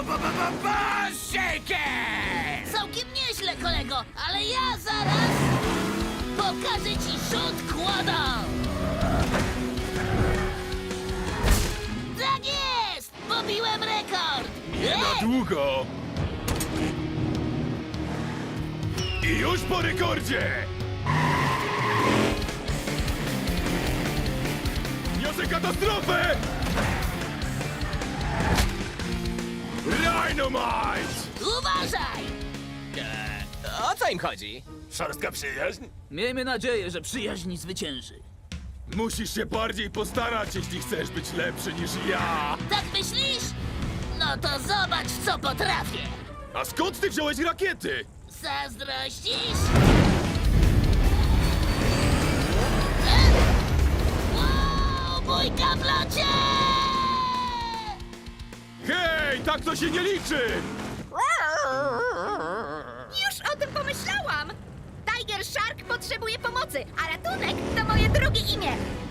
Shaker! Całkiem nieźle, kolego, ale ja zaraz pokażę ci rzut kłodą! Tak jest! Pobiłem rekord! Nie na długo! I już po rekordzie! Niosę katastrofę! Dynamite! Uważaj! O co im chodzi? Szorstka przyjaźń? Miejmy nadzieję, że przyjaźń zwycięży. Musisz się bardziej postarać, jeśli chcesz być lepszy niż ja! Tak myślisz? No to zobacz, co potrafię! A skąd ty wziąłeś rakiety? Zazdrościsz? Wow, bójka w locie! Hej, tak to się nie liczy! Już o tym pomyślałam! Tiger Shark potrzebuje pomocy, a ratunek to moje drugie imię.